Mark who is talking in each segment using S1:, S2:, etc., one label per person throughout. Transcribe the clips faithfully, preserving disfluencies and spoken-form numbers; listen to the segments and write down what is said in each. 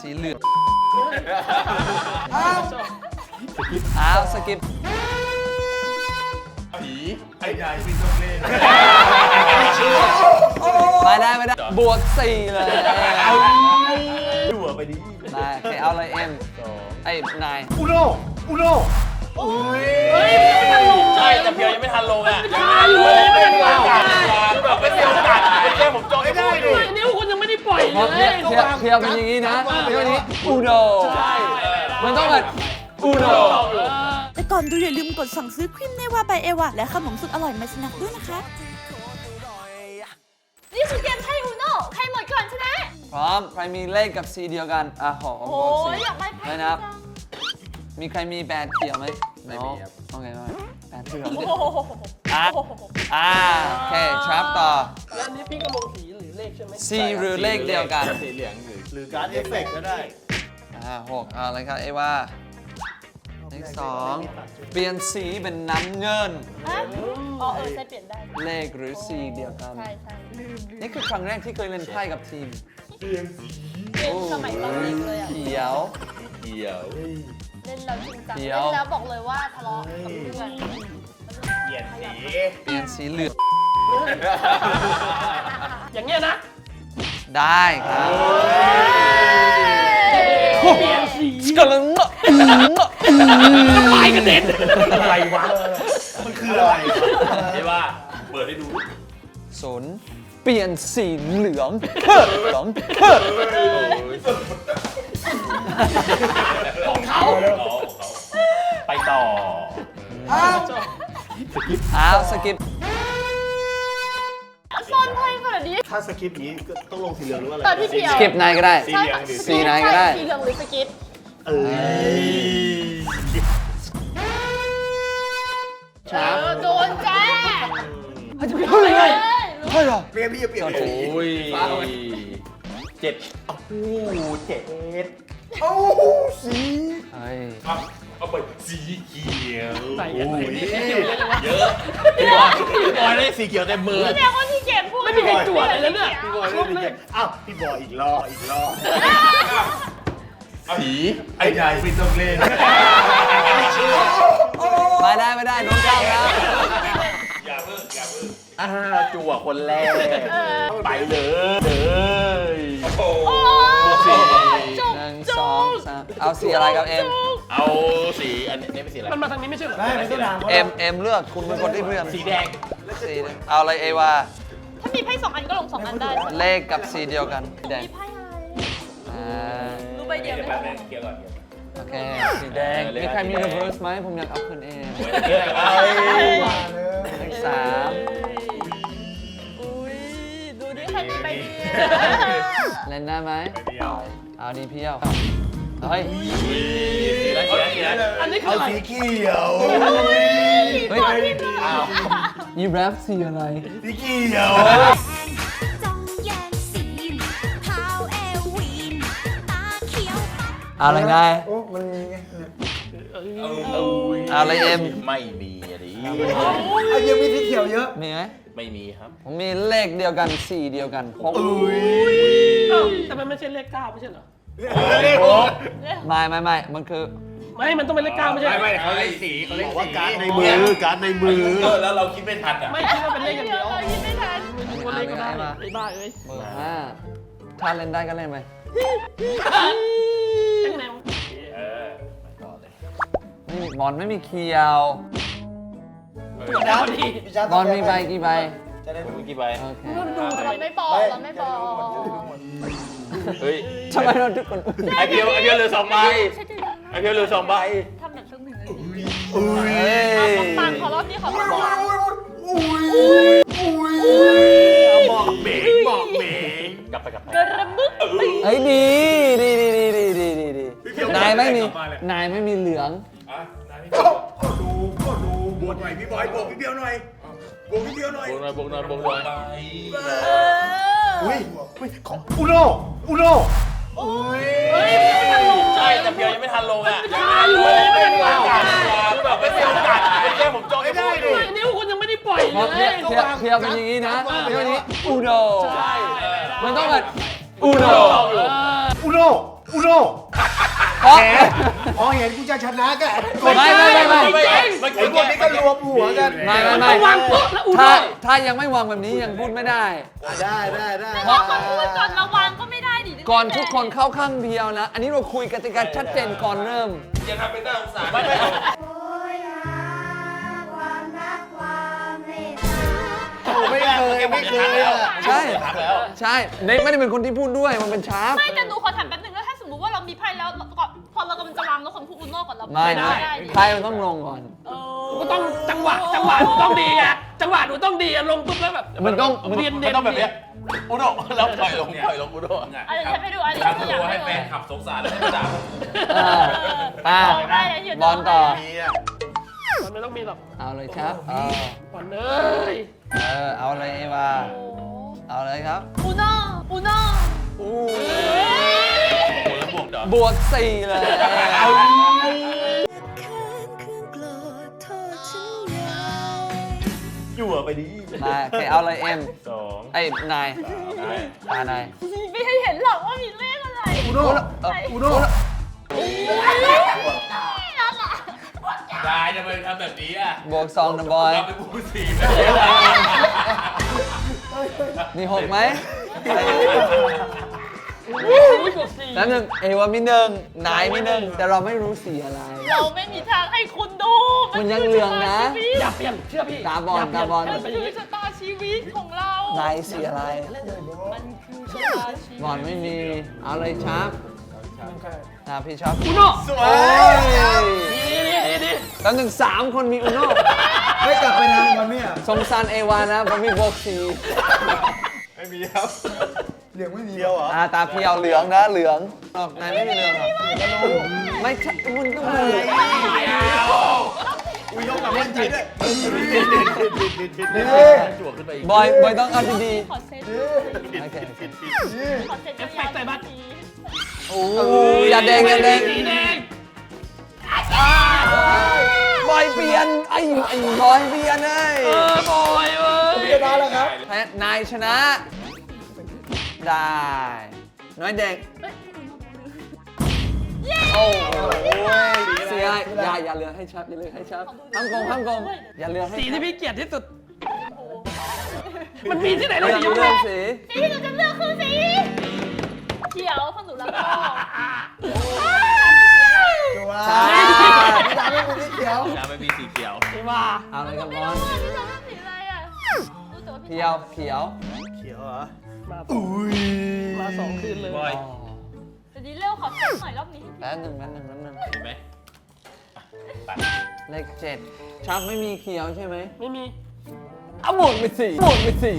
S1: สีเหลืองอ้าวสกิป
S2: ผีไอ้ยายเป็นตัวเล่น
S1: ไม่ได้ไม่ได้บวกสี่เลย
S2: ดูไปดิ
S1: ได้โอเคเอาเลยเอ็มไอ้นาย
S2: อุโนอุโน
S3: เฮ้ยไม่ทันลงใช่แต่เพียวยังไม่ทันลงอ่ะยังทันเลยไม่ทันลงแบบไม่เสียโอกาสเป็นแค่ผมจองไม่ได้เลยนิ้วคุณยังไม่ได้ปล่อยเลย
S1: เพียวเพียวเป็นอย่างนี้นะเพียวนี้อุโนมันต้องแบบอุโน
S4: แต่ก่อนดูอย่าลืมกดสั่งซื้อครีมเนวาบายเอวาและขนมสุดอร่อยมาสนักด้วยนะคะ
S5: นี่คือเกมไพ่อูโน่ใครหมดก่อนชนะ
S1: พร้อมใครมีเลขกับสีเดียวกันอ่ะหอม
S5: โอ้ยอยากได้ไพ่
S1: นะครับ มีใครมีแบดเขียวไหมไม่มีครับโอเคไหมแบดเขียวอ่ะอ่าโอเคชับต่อ
S3: แล้วนี้พี่ก็ลงสีหรือเลขใช่ไหม
S1: สีหรือเลขเดียวกัน
S2: สีเหลืองหรือหรือการ์ดเอฟเฟกต์ก็ได้
S1: อ่าหกเอาเลยครับเอว่าเลขสองเปลี่ยนสีเป็นน้ำเงิน
S5: อ๋อเออใช่เปลี่ยนได้
S1: เลขหรือสีเดียวกัน
S5: ใช่ใช่
S1: นี่คือครั้งแรกที่เคยเล่นไพ่กับทีม
S2: เปลี่ยนสี
S5: เล่นสมัยตอนเด็กเลยอ่ะ
S1: เขียว
S2: เขียว
S5: เล่นแล้วจริงจังเล่นแล้วบอกเลยว่าทะเลาะกับเพื่อน
S2: เปลี่ยนสี
S1: เปลี่ยนสีเหลือง
S3: อย่างเงี้ยนะ
S1: ได้ครับ
S3: เปลี่ยนสี
S1: กำลังเงาะ
S3: ปลายกระเด็น
S2: อะไรวะมันคืออะไรไอ้ว่าเปิดให้ดู
S1: ศูนย์เปลี่ยนสีเหลืองเหลือง
S3: ของเขา
S2: ไปต่อ
S1: อ้าวสกิป
S5: ซ่อนไพ่ขนาดนี้
S2: ถ้าสคริปต์นี้ต้องลงสีเหลืองหรือว่าอะไร
S5: ตอนที่เพียว
S1: สกิปนายก็ได้
S2: สีเหลืองหรือ
S1: สีนายก็ได้
S5: สีเหลืองหรือสกิป
S2: เอ้ย
S5: โดนแจ้
S1: เฮ้ยเฮ้ยเฮ้ยเหรอ
S2: เปลี่ยนพี่จะเปลี่ยนสีโอ้ยเจ็ดโอ้โหเจ็ดโอ้สี
S1: เฮ้ย
S2: เอาไปสีเขียว
S3: ใส่เยอะ
S2: เยอะพี่บอยพี่บอยได้สีเขียวเต็มมือ
S5: พี่เดียวคนที่เก่งพูด
S3: ไม่มีใครตรวจเลยแล้วเนี่ย
S2: พี่บอยได้สีเขียวอ้าวพี่บอยอีกรอบอีกรอบผีไอ้ยายเป็นตัวเล่น
S1: ไม่ได้ไม่ได้โดนจ้างแล้ว
S2: อย่าเพิ่งอย่าเพิ่งอ่าจั่วคนแรกไปเลยเลยโอ้โห
S1: สี่หนึ่งสองสามเอาสีอะไรกับเอ็ม
S2: เอาสีอันนี้เป็นสีอะไร
S3: มันมาทางนี้ไม่ใช่เหรอ
S2: ไม่ใช่น้ำ
S1: เอ็มเอ็มเลือกคุณเป็นคนที่เลือก
S2: สีแดง
S1: สีเอาอะไรเอว่า
S5: ถ้ามีไพ่สองอันก็ลงสองอันได้
S1: เลขกับสีเดียวกันแดง
S5: มีไพ่อะไรรู้ใบเดียวไหม
S2: เกี่ยวก่อน
S1: โอเคสีแดงมีใครมี reverse ไหมผมอยากเอาคืนเองเลขสาม
S5: ดูดิใครมีใบเดียว
S1: เล่นได้ไหมเอาดีเพียวเฮ้ย
S3: อันนี้คือ
S2: เอาสีเขียว
S1: เฮ้ยยีแรปสีอะไร
S2: สีเขียว
S1: อะไรไง
S2: โอ้มันมีไง
S1: อะไรเอ็ม
S2: ไม่มีอะไร
S1: เอายังมีสีเขียวเยอะมีไหม
S2: ไม่มีครับ
S1: ผมมีเลขเดียวกันสีเดียวกันหก
S3: แต่มันไม่ใช่เลขเก้าไม่ใช่เหรอ
S2: เลขหก
S1: ไม่ไม่ไม่มันคือ
S3: ไม่มันต้องเป็นเลขเก้าไม่ใช่
S2: ไม่ไม่เขาเลขสีเขาเลขว่าการในมือการในมือแล้วเราคิดไม่ทันอ่ะ
S3: ไม่คิดว่าเป็นเลขอย่างเดียว
S5: คิดไม่ทัน
S3: ตัวเลขก็ได้ไอ้บ้าเอ้ย
S1: เบอร์ห้าถ้าเล่นได้ก็เล่นไปไม่มีบอลไม่มีเคียวบอลมีใบกี่ใบ
S2: จะได้รู้กี่ใบ
S1: โอเค
S5: เราไม่บอกเราไม่บอก
S2: เฮ้ย
S1: ทำไมเราทุกคน
S2: ไอเพียวไอเพียวเหลือสองใบไอเพียวเหลือสองใบ
S5: ทำแบบซึ่งหนึ่งเลย
S1: ปั
S5: งขอรอบนี้ขอรอบ
S2: บอกเบรกบอกเบรกกลับไปกลับไป
S5: กระบึก
S1: เฮ้ยดีดีดีดีดีดีดีดีนายไม่มีนายไม่มีเหลือง
S2: ก็ดูก็ดูบวกหน่อยพี่บอยบวกพี่เบียวหน่อยบวกพี่เบียวหน่อยบวกหน่อยบวกหน่อยบวกหน่อยอุ้ยอุ้ยของอุโนอุโน
S3: เฮ้ยไม่ทันลง
S2: ใช่แต่เพียวยังไม่ทันลงอ่ะยังไม่ทันลงไม่ทันลงแบบไม่เสียโอกาสเป็นแค่ผมจองไม่ได้เลย
S3: นิ้วคุณยังไม่ได้ปล่อยเลย
S1: เพียวเพียวเป็นอย่างนี้นะเพียวนี้อุโนมันต้องแบบอุโน
S2: อุโนอุโน่
S1: เพราะ
S2: แหมพอเห็นกูจะชนะก็
S1: ไม่ไม่ไม่ไม่
S2: ไอ้พวกนี้ก็รวมหัวกัน
S1: ไม่ไม่ไม่
S3: ต้องวางปุ๊บแล้วอุโน่
S1: ถ้าถ้ายังไม่วางแบบนี้ยังพูดไม่ได้
S2: ได้ได้ได้
S5: บอกก่อนพูดก่อนมาวางก็ไม่ได้ดิ
S1: ก่อนทุกคนเข้าข้างเพียวนะ อันนี้เราคุยกติกาชัดเจนก่อนเริ่ม
S3: อย่าทำเป็นน่าสงสารไม่ไม่
S2: ไม่เคยไม่เคยอ่ะ
S1: ใช่ ใช่เนทไม่ได้เป็นคนที่พูดด้วย มันเป็นชาร์ป
S5: ไม่แต่หนูขอถามแป๊บนึงแล้วถ้าสมมติว่าเรามีไพ่แล้วก่อนพอเรากำลังจะวางแล้วคนพูดอุโน่ก่อนเรา
S1: ไม่นะ
S5: ได้ดิ
S1: ใครมันต้องลงก่อน
S5: เออ
S3: ก็ต้องจังหวะจังหวะหนูต้องดีไงจังหวะหนูต้องดีอะลงปุ๊บแล้วแบบ
S1: มันต้องมัน
S3: เรียน
S6: มั
S3: เด่
S6: น
S3: น
S6: ต้องแบบเนี้ยอุโน่แล้วปล่อยลงปล่อยลงอุโน่
S5: อันนี้ฉันไปดูอันนี้
S6: ทำ
S5: ฉันอยาก
S6: ตัว
S5: ให้
S6: ให้
S5: ดู
S6: แฟนขับสงสารแล้วให้ด่า
S1: อ่าป้า
S5: ได้เลยเฮีย
S1: บอลต่อ
S2: มีอ่ะ
S3: มันไม่ต้องมีหรอก
S1: เอาเลยครับเอา
S3: ก่อนเอ้ย
S1: เออเอาเลยเอวาเอาเลยครับ
S5: อุโน่อุโน่
S1: อู้
S6: แล้วบวกดอก
S1: บวกสี่เลยเอา
S2: อยู่ไปดิ
S1: มาโอเคเอาเลยเอ็ม
S6: สอง
S1: ไอ้นายอ่านาย
S5: ไม่ให้เห็นหรอกว่ามีเลขอะไร
S2: อุโน่
S1: เออ
S2: อุโน่
S5: นั่นแหละ
S6: ได้จะไปทำแบบนี้อ่ะ
S1: บวกสองนะบอย
S6: เราไปบวกสี่
S1: มีหกไหม
S3: อุ้ยกดสี่
S1: แล้วหนึ่งเอวามีหนึ่งนายมีหนึ่งแต่เราไม่รู้สีอะไร
S5: เราไม่มีทางให้คุณดู
S1: มันยังเหลืองนะ
S3: อย่าเปลี่ยนเชื่อพี่
S1: ตาบอลตาบอล
S5: มันคือชะตาชีวิตของเรา
S1: นายสีอะไร
S5: มันคือชะตาชีวิต
S1: บอลไม่มีเอาเลยชาร์ปอ่าพี่ชอบ
S3: อุโน่
S2: สว
S1: โอ้
S2: ย
S1: ย
S3: ดีดีดีดี
S1: แล้วหนึ่งสามคนมีอุโน่
S2: ไม่กลับไปทำมันเนี่ย
S1: สงสารเอวานะเพราะมีบวกสี่
S2: ไม่มีครับเหลืองไม่มีเดียวเหรอ
S1: อ่าตาเพียวเหลืองนะเหลืองออกนายไม่มีเหลืองหรอไม่ใช่มันก็เหลือง
S2: อุ้ยยกกับเล่นจิต
S6: จวกขึ้นไปอีก
S1: บอยบอยต้องเอาดี
S5: ขอเซ็ต
S1: ๆโอเคโอเค
S5: ขอเซ็ต
S3: เอฟเฟกต์ใส่บัตร
S1: โอ้ยอย่าแดงอย่าแดง
S3: สีแดง
S1: บอยเปลี่ยนไอ้ไอ้บอยเปลี่ยนไอ้
S3: เออบอยเว้ย
S2: ชนะแล้วครับ
S1: แพ้นายชนะได้น้อยแดงโอ้ยเสียอย่าอย่าเหลือให้ชับอย่าเหลือให้ชับห้ามโกงห้ามโกงอย่าเหลือให้
S3: สี
S1: ชั
S3: ที่
S1: บ
S3: พี่เกลียดที่สุด มันมีที่ไหน
S1: เลื
S3: เลย
S1: อก
S3: สี
S1: เลือกสี
S5: สีที่หนูจะเลือกคือสีเขียวเพราะหนูรักพ่อ
S2: จัว
S1: ใช่
S2: พี่ดาวไม่มีสีเขียว
S6: น้ำไม่มีสีเขียว
S3: ไม่ว่า
S1: เอาเลยครับ
S5: ไม่
S1: บอ
S5: รู้
S1: ล
S5: ว่าพี่จะเลือกสีอะไรอ่ะรู้แต่ว่าพี่
S1: เขียวเขียว
S2: เขียวเหรอ
S3: มา
S2: อุ้ย
S3: มาสองคืนเลย
S6: บอย
S1: อ๋อ
S5: แต่ดีเร็วขอเซ็ตหน่อยรอบนี้
S1: แป๊บหนึ่งแป๊บหนึ่งแป๊บหนึ่ง
S6: เห็นไหม
S1: เลขเจ็ดชับไม่มีเขียวใช่ไหม
S3: ไม่มี
S1: เอาหมดไปสี่หมดไปสี่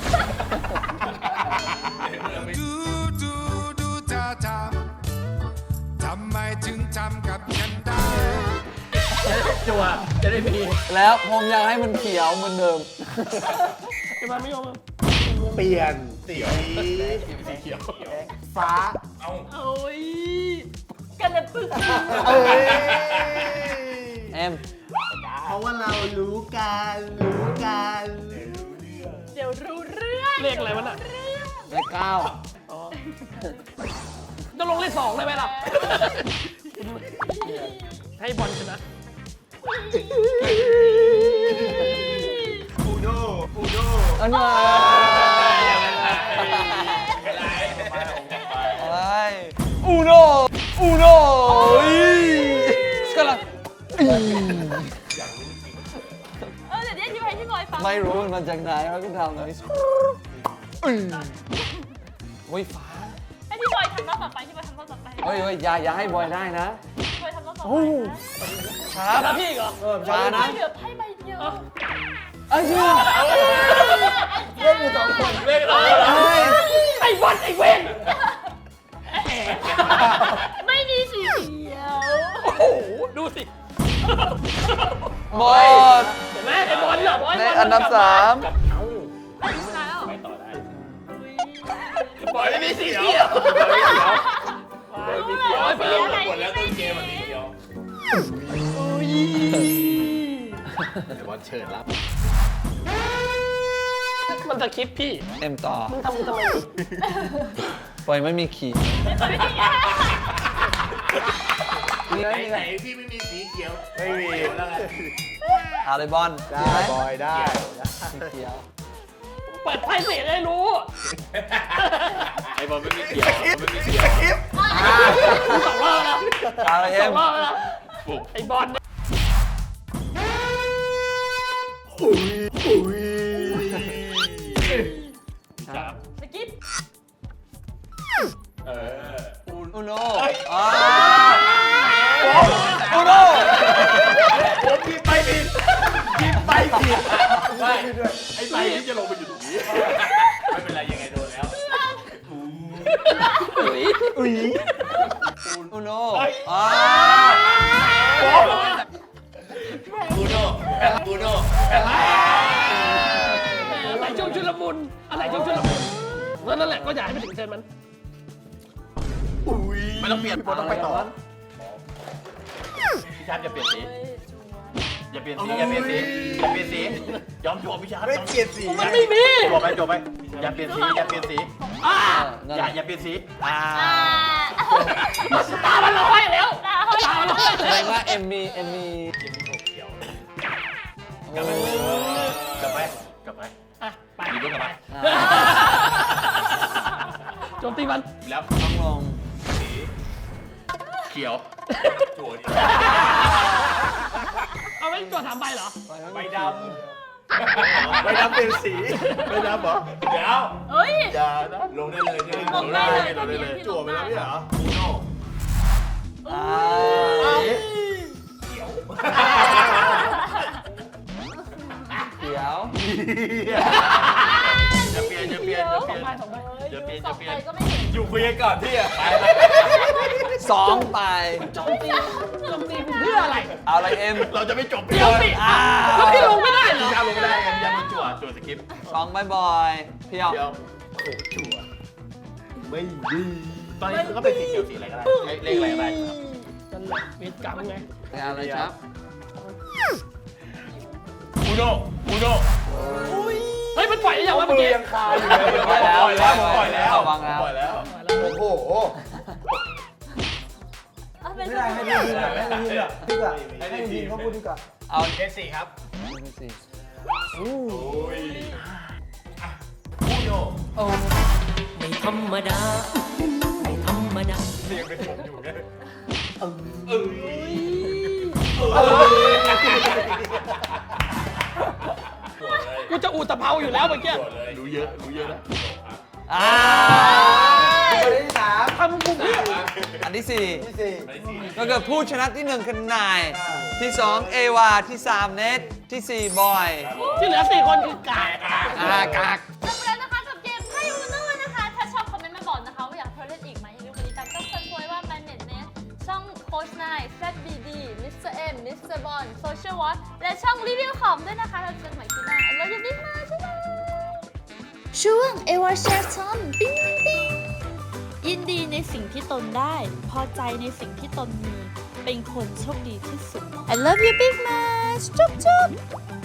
S7: ดูดูดูเธอทำทำไมถึงทำกับฉันได้
S3: จัวจะได้มี
S1: แล้วผมอยากให้มันเขียวเหมือนเดิม
S3: จะมาไม่ยอม
S2: เปลี่ยนสี
S6: สีเขียว
S2: ฟ้า
S6: เอ้า
S5: โอ้ยกันเลยปึ๊ก
S2: เอ้ย
S1: เอ็ม
S2: เพราะว่าเรารู้กันรู้กัน
S5: เดี๋ยวรู้เรื่อง
S3: เลขอะไรวะน่ะ
S1: เลขเก้า
S3: จะลงเลขสองเลยไหมล่ะ ให้บอลชนะ
S2: อูโน่อูโน่
S1: อันนี้
S6: อะไร
S1: อะไรอูโนอูโนก็ลัง
S5: เออเดี๋ยวนี้อธิบายให้พี่บอยฟัง
S1: ไม่รู้มันมาจากไหนเขาก็ทำเลยโอ้ยฟ้า
S5: ให้พี่บอยทำรอบต่อไปพี่บอยทำรอบต่อไป
S1: เฮ้ยเฮ้ยอย่าอย่าให้บอยได้นะ
S5: พี่บอยทำรอบต่อไป
S1: โอ้ช้า
S3: แล้วพี่เหรอ
S1: ช้า
S5: ไม่
S1: นะ
S5: เหลือไพ่ใบเดียว
S1: ไอ้เหี้ย
S2: เล่นอยู่สองคน
S6: เลขอะไร
S1: เฮ้ย
S3: ไอ้บอลไอ้เวน
S5: ไม่มีสีเขียว
S3: โอ้โห ดูสิ
S1: หมด
S3: เห็นไหมไอ้บอลเหรอบอล
S1: ในอันดับสาม
S5: ไอ้ชนะแล้ว
S6: ไปต่อได้
S3: บอลไม่มีสีเขียว
S5: รู้เลยว่าสีอะไร
S6: หมดแล้วต้
S5: ไม่
S6: นเก
S5: มี
S6: มอ่ะสีเขียว
S2: บอลเชิญรับ
S1: ค
S3: มันสคริปต์พี่
S1: เอ็มต่อ
S3: มึงทำมึงทำไม
S1: ปล่อยไม่มีขีดนี่
S6: ไหน
S1: ไง
S6: ไหนที่ไม่มีสีเขียว
S2: ไม่มี
S6: แล้วไง
S1: เอาเลยบอล
S2: ได้บอยได้
S1: สีเขียว
S3: เปิดไพ่เสียให้รู้
S6: ไอ้บอลไม่มีเขียวไม่มีเขียว
S3: สองรอบแล้ว
S1: เอาเลย
S3: ส
S1: เอ็
S3: อ
S1: ม
S3: งรอบแล้วไอ้บอลเนี่ย
S2: อุ้ยอุ้ย
S5: สกิป
S6: เออ
S1: อุโนอ่าอุโน
S6: ผมพิมพ์ไปผิดพิมพ์ไปผิดไม่ไอ้ใบที่จะลงไปอยู่ตรงนี้ไม่เป็นไรยังไงโดนแล้ว
S3: อุ้ย
S2: อุ้ย
S1: อุโนอ่า
S6: บูโน่บูโน่
S3: อะไรช่วงชุลมุนอะไรช่วงชุลมุนนั่นแหละก็อยากให้ไปถึงเชิญมัน
S2: อุ้ย
S6: ไม่ต้องเปลี่ยน
S2: พี่บอลต้องไปต่อ
S6: พี่ชาติอย่าเปลี่ยนสีอย่าเปลี่ยนสีอย่าเปลี่ยนสีอย่าเปลี่ยนสียอมจวบพี่ชาติ
S2: ไม่เปลี่ยนสี
S3: มันไม่มี
S6: จวบไปจวบไปอย่าเปลี่ยนสีอย่าเปลี่ยนสี
S3: อ่า
S1: นั่น
S6: อย่าอย่าเปลี่ยนสี
S1: อ่า
S5: อ่า
S3: ตามันลอยแล้ว
S5: ตาเฮ้ย
S3: ตามันลอย
S1: แสดงว่าเอ็มมีเอ็มมี
S6: กลับไปกลับไปกลับไป
S3: อ่ะไป
S6: อยู่ด้วยกันไป
S1: อ่า
S3: โจมตีมัน
S6: แล้ว
S1: ต้องลง
S6: สีเขียวจวด
S3: เอาไว้ตัวถามใบเหรอ
S6: ใบด
S2: ไปดำเปลี่ยนสีไปดำเหรอ
S6: ำเดี๋ยว
S5: เฮ้ย
S2: อย่านะ
S6: ลงได้เลยเนี่ย
S5: ลงได้เลย
S6: ลงได้เลย
S2: จั่วไปแล้วไม่เหรอ
S6: บูโน่
S1: อ่า เขียว
S6: จะเปลี่ยนจะเปลี่ยนจะเปลี่ยน
S3: สองใบสองใบ
S6: จะเปลี่ยน
S5: ส
S6: จะ
S5: อง
S6: เปลี่
S5: ไป
S6: ยน
S5: ก็ไม่เห็น
S6: อยู่คุยกันก่อนพี่อะไป
S1: สองไป
S3: โจมตีโจมตีเพื่ออะไร
S1: เอาอะไรเอ็ม
S6: เราจะไม่จบ
S3: เดี๋ยวสิ
S1: อ่า
S3: แล้วพี่ลงไม่ได้เหรอ
S6: พี่ชาลงไม่ได้กันยันมันจั่วจั่วสคริปต์
S1: สองบ่อยๆเพียว
S6: เดี๋ยวโอ้โหจั่ว
S2: ไม่ดี
S6: ตอนนี้ก็เป็นสีเขียวสีอะไรก็ได้เลขอะไรก็ได้
S3: นั่นแหละเวทกรรมไง
S1: อะไรครับ
S6: บูโน่บูโน่
S3: เฮ้ยมันปล่อยได้ยังวะเมื่อกี้
S2: ยังคาอยู่เลย
S1: ปล่อยแล้ว
S6: ปล่อยแล้วปล่อยแล้ว
S1: วางแล้ว
S6: ปล่อยแล้ว
S2: โอ้โห
S5: เอาเป็น
S2: ไม่ได้ให้ดีดีกว่าให้ดีดีกว่าดีกว่าให้ดีเขาพูดดีกว่า
S1: เอา
S6: เอสสี่ครับ
S1: สี่
S6: โอ้ยบูโน่
S1: โอ้
S8: ไม่ธรรมดา ไม่ธรรมดา
S6: เรียงเป็นผมอยู่ไงเออ
S3: กูจะอูตะเภาอยู่แล้วเมื่อกี้
S6: รู้เยอะรู้เยอะนะ
S1: อ่า
S2: คนที่สาม
S3: ทำกูเพื่อ
S1: อันที่สี่
S2: ที่สี่
S1: ก็คือผู้ชนะที่หนึ่งคือนาย ที่สองเอวา ที่สามเนทที่สี่บอย
S3: ที่เหลือสี่คนคือกาก
S1: อ่ากาก
S5: จบแล้วนะคะกับเกมไพ่อูโน่นะคะ ถ้าชอบคอมเมนต์มาบอกนะคะว่าอยากให้เราเล่นอีกไหมอย่าลืมกดติดตามช่องซันพวยว่ามันเน็ตเนสช่องโค้ชนายแซดบีดีมิสเตอร์เอ็มมิสเตอร์บอลโซเชียลวอทและช่องรีวิวของด้วยนะคะเราเจอกันใหม่ที่หน้าแล้วอย่าลืมมาใช่ไหมช่วงเอวาแชร์ทอมปิ้งปิ้งยินดีในสิ่งที่ตนได้ พอใจในสิ่งที่ตนมี เป็นคนโชคดีที่สุด I love you big much จุ๊บจุ๊บ